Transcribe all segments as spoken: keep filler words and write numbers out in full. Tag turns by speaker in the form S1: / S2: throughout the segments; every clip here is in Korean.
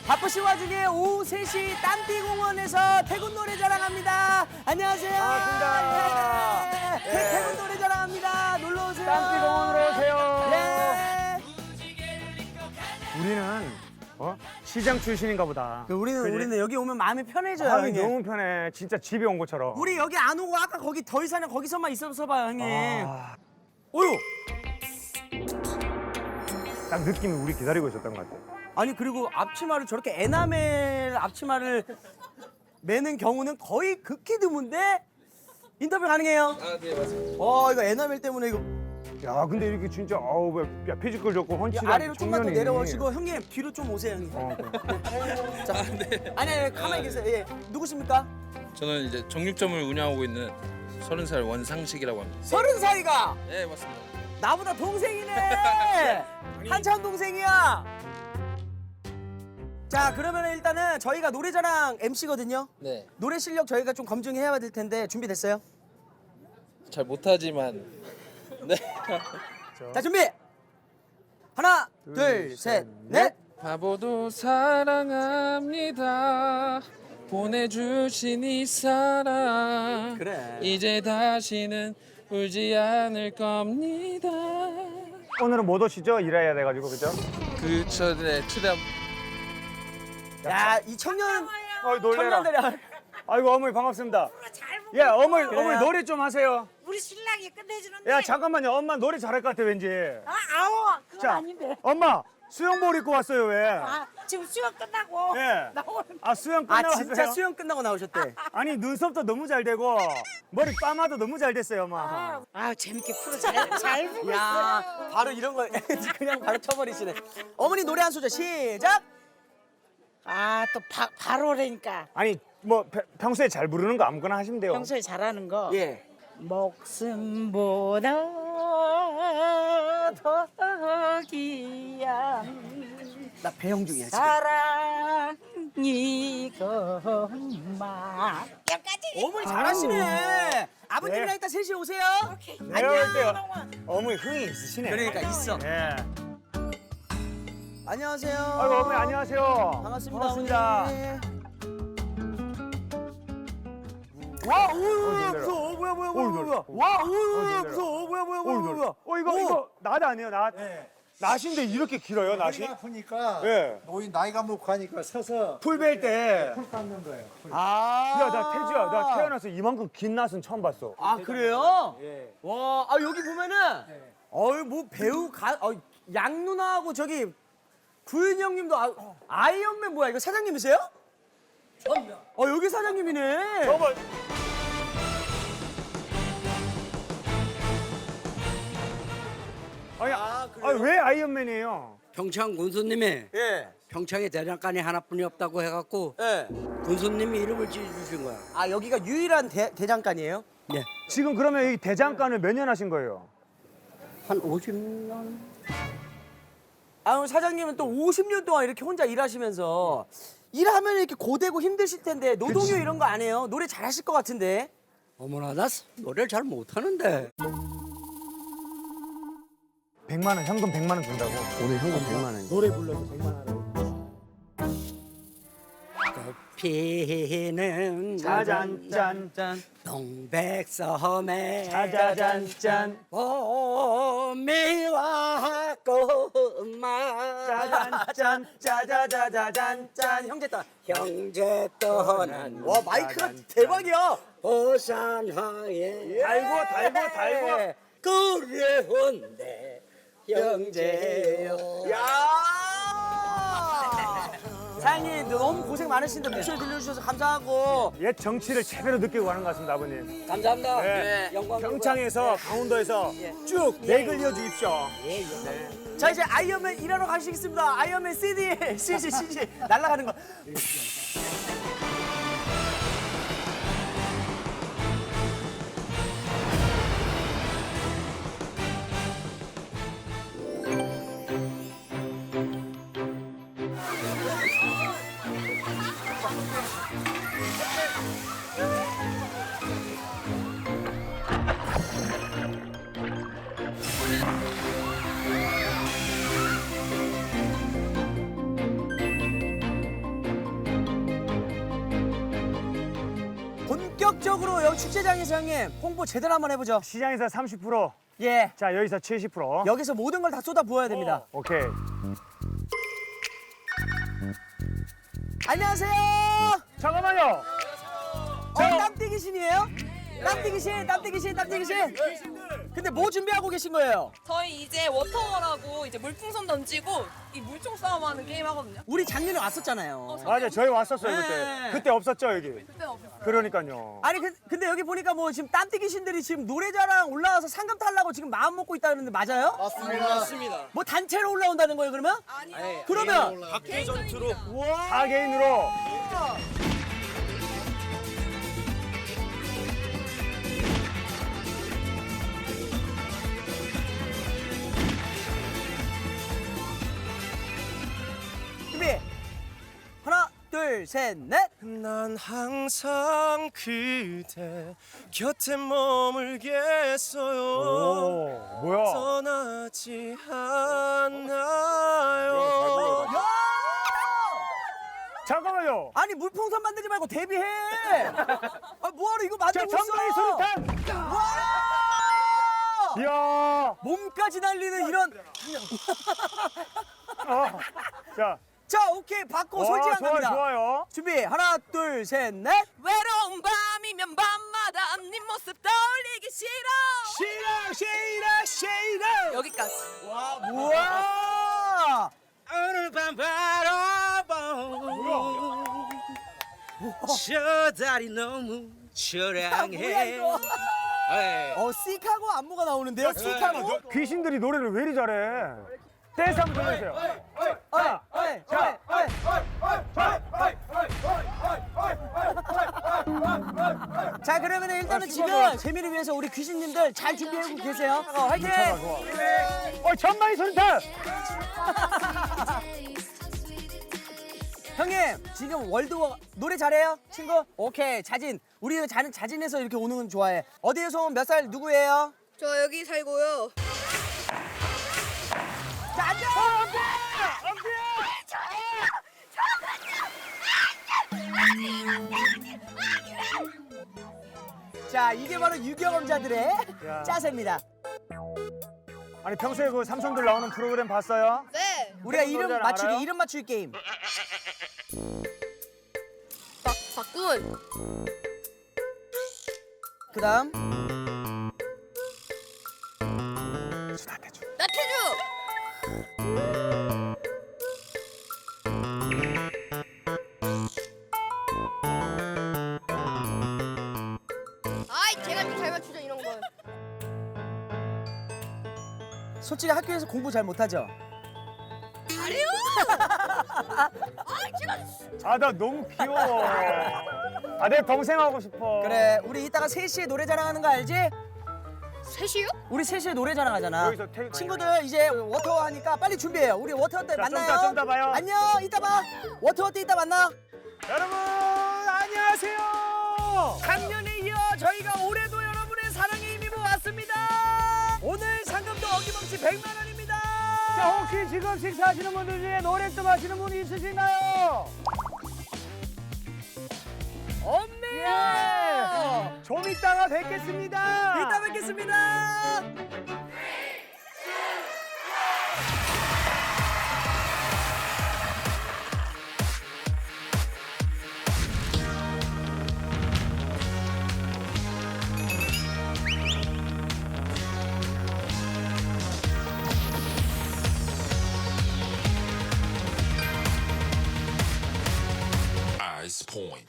S1: 바쁘신 와중에 오후 세 시 땀띠공원에서 태군 노래 자랑합니다. 안녕하세요.
S2: 반갑습니다.
S1: 네.
S2: 네.
S1: 태- 태군 노래 자랑합니다. 놀러 오세요.
S2: 땀띠공원으로 오세요.
S1: 네.
S2: 우리는 어? 시장 출신인가 보다.
S1: 우리는
S2: 그지?
S1: 우리는 여기 오면 마음이 편해져요,
S2: 마음이
S1: 형님.
S2: 너무 편해. 진짜 집에 온 것처럼.
S1: 우리 여기 안 오고 아까 거기 더 이상은 거기서만 있어서 봐요, 형님.
S2: 아,
S1: 어유.
S2: 딱 느낌이 우리 기다리고 있었던 것 같아.
S1: 아니 그리고 앞치마를 저렇게 에나멜 앞치마를 매는 경우는 거의 극히 드문데 인터뷰 가능해요?
S3: 아, 네, 맞습니다.
S1: 어 이거 에나멜 때문에 이거
S2: 야, 근데 이렇게 진짜 아우 야, 피지컬 좋고
S1: 이
S2: 헌칠한
S1: 아래로 좀만 더
S2: 청년이.
S1: 내려오시고 형님 뒤로 좀 오세요 형님.
S2: 어, 그래.
S1: 자, 아니 아니 가만히 계세요. 예. 누구십니까?
S3: 저는 이제 정육점을 운영하고 있는 서른 살 원상식이라고 합니다.
S1: 서른 살이가
S3: 네, 맞습니다.
S1: 나보다 동생이네. 한참 동생이야. 자 그러면 일단은 저희가 노래자랑 엠씨거든요.
S3: 네,
S1: 노래 실력 저희가 좀 검증해야 될 텐데 준비됐어요?
S3: 잘 못하지만 네.
S1: 자 준비. 하나, 둘, 셋, 넷.
S3: 바보도 사랑합니다. 보내주신 이 사랑
S1: 그래.
S3: 이제 다시는 울지 않을 겁니다.
S2: 오늘은 못 오시죠? 일해야 돼가지고 그죠?
S3: 그 전에 최대한
S1: 야, 이 청년
S2: 어이 놀래라.
S1: 청년들이
S2: 아이고 어머니 반갑습니다.
S4: 잘 먹.
S2: 예, 어머니
S1: 그래요?
S2: 어머니 노래 좀 하세요.
S4: 우리 신랑이 끝내주는데.
S2: 야 잠깐만요. 엄마 노래 잘할 것 같아 왠지.
S4: 아, 아우, 그건
S2: 자,
S4: 아닌데.
S2: 엄마 수영복 입고 왔어요 왜?
S4: 아, 지금 수영 끝나고
S2: 네.
S4: 나오는.
S2: 아 수영
S1: 아
S2: 끝나왔어요?
S1: 진짜 수영 끝나고 나오셨대.
S2: 아니 눈썹도 너무 잘 되고 머리 빠마도 너무 잘 됐어요 엄마.
S4: 아, 아, 재밌게 풀어 잘, 잘 보고 있어요.
S1: 야, 바로 이런 거 그냥 바로 쳐버리시네. 어머니 노래 한 소절 시작.
S4: 아, 또 바, 바로라니까.
S2: 아니 뭐 pe- 평소에 잘 부르는 거 아무거나 하시면 돼요.
S4: 평소에 잘하는 거.
S1: 예.
S4: 목숨보다 더 귀한
S1: 나 배영 중이야 지금.
S4: 사랑이건만. 여기까지.
S1: 어머니 잘하시네. 아버님이랑
S2: 네.
S1: 이따 셋이 오세요.
S4: 오케이.
S2: 내가 볼 때요. 어머니 흥이 있으시네.
S1: 그러니까 있어.
S2: 예.
S1: 안녕하세요.
S2: 아이고 어머니 안녕하세요.
S1: 반갑습니다.
S2: 반갑습니다.
S1: 어머니. 와, 오,
S2: 놀래라.
S1: 무서워. 어, 뭐야, 뭐야,
S2: 어이,
S1: 뭐야,
S2: 놀래라.
S1: 뭐야. 와, 오,
S2: 놀래라.
S1: 무서워. 뭐야, 뭐야,
S2: 어,
S1: 뭐야,
S2: 이거,
S1: 뭐야.
S2: 어 이거
S1: 오.
S2: 이거 낫 아니에요 낫. 낫인데 이렇게 길어요 낫이?
S5: 머리가 아프니까
S2: 예.
S5: 노인 나이가 먹고 하니까 서서
S2: 풀 뺄 때.
S5: 풀 깎는 거예요. 풀.
S1: 아.
S2: 야 나 태주야 나 태어나서 이만큼 긴 낫은 처음 봤어.
S1: 아, 그래요?
S5: 예.
S1: 와, 아, 여기 보면은, 어이, 뭐 배우 가, 어, 양 누나하고 저기 구윤 형님도 아, 아이언맨 뭐야? 이거 사장님이세요? 어, 여기 사장님이네.
S2: 어머. 아니,
S1: 아, 그래요?
S2: 아니 왜 아이언맨이에요?
S6: 평창 군수님이
S1: 예.
S6: 평창에 대장간이 하나뿐이 없다고 해갖고
S1: 예.
S6: 군수님이 이름을 지어주신 거야.
S1: 아, 여기가 유일한 대, 대장간이에요?
S6: 네.
S2: 지금 그러면 이 대장간을 몇 년 하신 거예요?
S6: 한 오십 년.
S1: 아, 오늘 사장님은 또 오십 년 동안 이렇게 혼자 일하시면서 일하면 이렇게 고되고 힘드실 텐데 노동요 이런 거 안 해요? 노래 잘하실 것 같은데.
S6: 어머나 나 노래를 잘 못하는데.
S2: 백만 원 현금 백만 원 준다고.
S6: 오늘 현금 백만 원.
S2: 노래 불러서 백만 원.
S6: 피는
S2: 짜잔 짠.
S6: 동백섬에
S2: 짜자잔 짠.
S6: 봄이 왔구만.
S2: 짜잔 짠.
S1: 짜자자자잔 짠. 형제 딸.
S6: 형제 떠난
S1: 와, 마이크가 대박이야.
S6: 보산하에
S2: 달고 달고 달고.
S6: 그래온데 형제여.
S1: 야! 사장님 너무 고생 많으신데 목소리 들려주셔서 감사하고.
S2: 옛 정치를 제대로 느끼고 가는 것 같습니다 아버님.
S6: 감사합니다.
S2: 네.
S6: 영광.
S2: 평창에서 강원도에서 쭉 맥을 이어 주십시오.
S6: 예, 예.
S1: 자 이제 아이언맨 일하러 가시겠습니다. 아이언맨 씨디, 씨지, 씨지 날아가는 거. 본격적으로 여기 축제장에서 형님 홍보 제대로 한번 해보죠.
S2: 시장에서 삼십 퍼센트.
S1: 예.
S2: 자, 여기서 칠십 퍼센트.
S1: 여기서 모든 걸 다 쏟아 부어야 됩니다.
S2: 오케이.
S1: 안녕하세요.
S2: 잠깐만요.
S1: 어, 땀띠기 신이에요? 땀띠기 신, 땀띠기 신, 땀띠기 신. 근데 뭐 준비하고 계신 거예요?
S7: 저희 이제 워터월하고 이제 물풍선 던지고 이 물총 싸움하는 게임 하거든요.
S1: 우리 작년에 왔었잖아요.
S2: 맞아, 저희 왔었어요, 그때.
S1: 네.
S2: 그때 없었죠, 여기?
S7: 그때는 없었어요.
S2: 그러니까요.
S1: 아니 그- 근데 여기 보니까 뭐 지금 땀띠기 신들이 지금 노래자랑 올라와서 상금 타려고 지금 마음 먹고 있다는데 맞아요?
S6: 맞습니다.
S1: 뭐 단체로 올라온다는 거예요 그러면?
S7: 아니요.
S1: 그러면
S3: 각계 전투로
S2: 사 개인으로.
S1: 준비 하나 둘 셋 넷.
S8: 난 항상 그대 곁에 머물겠어요.
S2: 오, 뭐야?
S8: 떠나지 않아요.
S2: 잠깐만요.
S1: 아니 물풍선 만들지 말고 데뷔해. 아 뭐하러 이거
S2: 자,
S1: 만들고
S2: 전방위
S1: 있어?
S2: 수류탄.
S1: 와!
S2: 이야.
S1: 몸까지 날리는 이런.
S2: 어. 자,
S1: 자 오케이 받고
S2: 와,
S1: 솔직한
S2: 좋아요,
S1: 갑니다.
S2: 좋아요.
S1: 준비 하나 둘 셋 넷.
S7: 외로운 밤이면 밤마다 네 모습 떠올리기 싫어.
S2: 싫어, 싫어, 싫어.
S7: 여기까지.
S1: 우와.
S6: 오늘 밤 바라봐. 저 달이 너무
S1: 뭐야
S6: 초량해.
S1: 이거?
S6: 네.
S1: 어 시카고 안무가 나오는데요. 시카고.
S2: 귀신들이 노래를 왜 이리 잘해? 댄스 한번 들려주세요.
S1: 어이 어이 어이 어이. 자 그러면 일단은 지금 재미를 위해서 우리 귀신님들 잘 준비하고 계세요. 어, 화이팅!
S2: 어, 전방위 수류탄.
S1: 형님 지금 월드워 노래 잘해요 친구? 오케이 자진 우리 자, 자진해서 이렇게 오는 건 좋아해. 어디에서 온 몇 살 누구예요?
S7: 저 여기 살고요.
S1: 자 앉아! 자 이게 바로 유경험자들의
S2: 야.
S1: 짜세입니다.
S2: 아니, 평소에 그 삼성들 나오는 프로그램 봤어요?
S7: 네.
S1: 우리가 이름
S2: 노래를
S1: 맞추기
S2: 알아요?
S1: 이름 맞추기 게임.
S7: 박 박군.
S1: 그다음
S7: 나태주. 아이 제가 좀 잘 맞추죠 이런 건.
S1: 솔직히 학교에서 공부 잘 못하죠?
S7: 잘해요. 아이 제가.
S2: 아, 나 너무 귀여워. 아, 내 동생 하고 싶어.
S1: 그래 우리 이따가 세 시에 노래 자랑하는 거 알지?
S7: 셋이요?
S1: 우리 세 시에 노래 자랑하잖아.
S2: 여기서 태-
S1: 친구들 이제 워터 하니까 빨리 준비해요. 우리 워터 때
S2: 자, 좀
S1: 만나요.
S2: 이따, 좀 이따 봐요.
S1: 안녕. 이따 봐. 워터 때 이따 만나.
S2: 여러분, 안녕하세요.
S1: 작년에 이어 저희가 올해도 여러분의 사랑에 힘입어 왔습니다. 오늘 상금도 어김없이 백만 원입니다.
S2: 자, 혹시 지금 식사하시는 분들 중에 노래 좀 하시는 분이 있으신가요?
S1: 없네요.
S2: 예. 좀 이따가 뵙겠습니다.
S1: 이따 뵙겠습니다.
S9: Ice Point.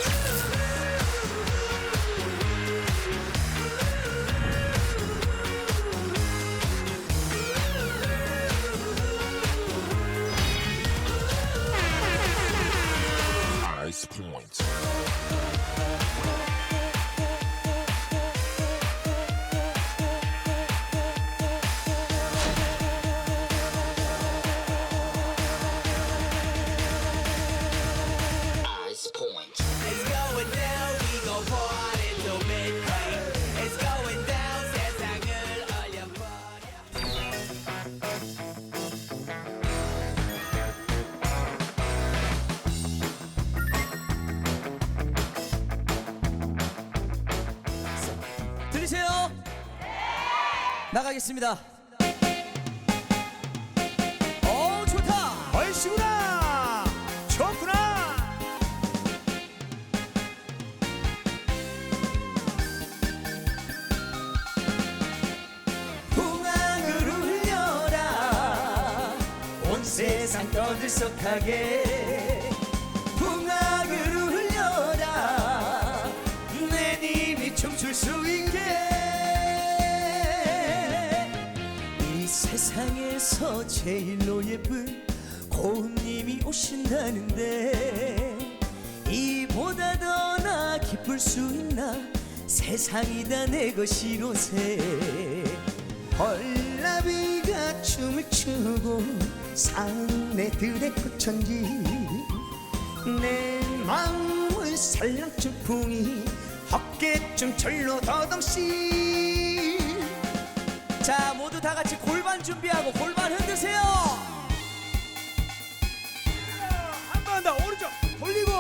S9: Ice Point. Ice Point.
S1: 나가겠습니다. 어 좋다.
S2: 얼씨구나. 좋구나.
S1: 풍악을 울려라 온 세상 떠들썩하게 풍악을 울려라 내 님이 춤출 수 있게 이 세상에서 제일로 예쁜 고운님이 오신다는데 이보다 더 나 기쁠 수 있나 세상이 다 내 것이로세 헐나비가 춤을 추고 사내들의 꽃천지 내 마음을 살랑준 풍이 어깨춤 절로 더덩씨 자 모두 다 같이 골반 준비하고 골반 흔드세요
S2: 한 번 더 오른쪽 돌리고.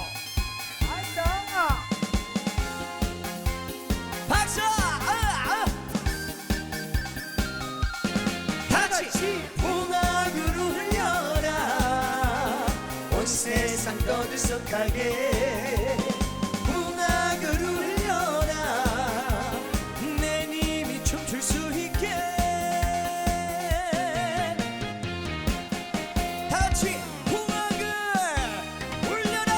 S2: 앉아.
S1: 박수 아, 아. 다 같이 풍악을 울려라 온 세상 떠들썩하게 풍악을 울려라 내 님이 춤출 수 있게 다 같이 풍악을 울려라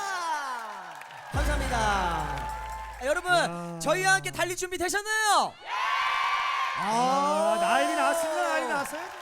S1: 감사합니다. 아, 여러분 저희와 함께 달릴 준비 되셨나요?
S2: 아, 난리 났습니다. 난리 났어요.